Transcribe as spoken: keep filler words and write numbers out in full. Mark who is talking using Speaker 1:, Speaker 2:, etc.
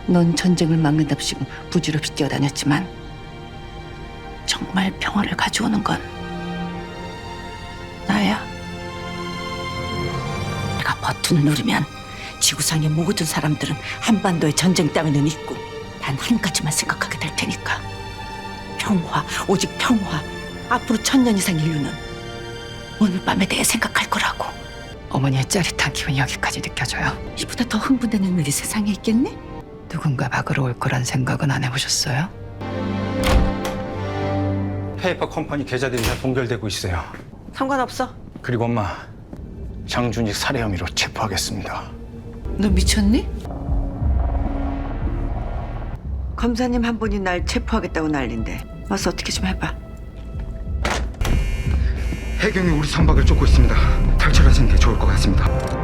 Speaker 1: 넌 전쟁을 막는답시고 부질없이 뛰어다녔지만 정말 평화를 가져오는 건 나야. 내가 버튼을 누르면 지구상의 모든 사람들은 한반도의 전쟁 따위는 잊고 단 한 가지만 생각하게 될 테니까. 평화, 오직 평화. 앞으로 천년 이상 인류는 오늘 밤에 대해 생각할 거라고. 어머니의 짜릿한 기분이 여기까지 느껴져요. 이보다 더 흥분되는 일이 세상에 있겠니? 누군가 막으러 올 거란 생각은 안 해보셨어요?
Speaker 2: 페이퍼 컴퍼니 계좌들이 다 동결되고 있어요.
Speaker 1: 상관없어.
Speaker 2: 그리고 엄마, 장준익 살해 혐의로 체포하겠습니다.
Speaker 1: 너 미쳤니?
Speaker 3: 검사님 한 분이 날 체포하겠다고 난린데 와서 어떻게 좀 해봐.
Speaker 4: 해경이 우리 선박을 쫓고 있습니다. 탈출하시는 게 좋을 것 같습니다.